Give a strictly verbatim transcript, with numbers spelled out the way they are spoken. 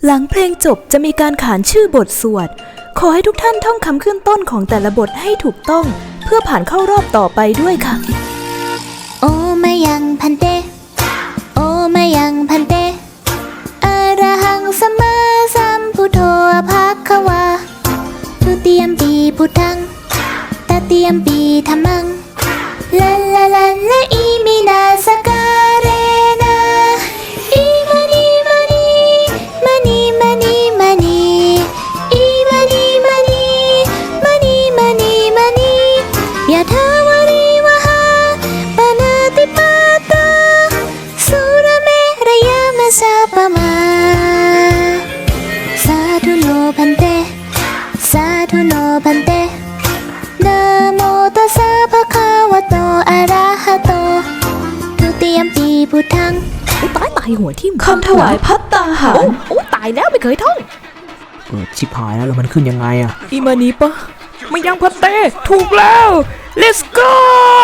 หลังเพลงจบจะมีการขานชื่อบทสวดขอให้ทุกท่านท่องคำขึ้นต้นของแต่ละบทให้ถูกต้องเพื่อผ่านเข้ารอบต่อไปด้วยค่ะโอมายังพันเตโอมายังพันเตอะระหังสัมมาสัมพุทโธภะคะวาทุติยมปีพุทธังตติยมปีธัมมังลาลาลาลาอิมินาสการเรนะอิมานีมานีมานีมานีมานีอิมานีมานีมานีมานีมานียะถาวาริวหาปนาติปาตาสุรเมรยามะสาปมาสาธุโนพันเตสาธุโนพันเตนะโมตัสสะภะคะวะโตอะระหะโตทุติยมปีพุทธังตายตายหัวทิ่มคำถวายภัตตาหารโอ้โอ้ตายแล้วไม่เคยท่องเออชิบหายแล้วแล้วมันขึ้นยังไงอะอิมานีปะไม่ยังพัตเต้ถูกแล้ว let's go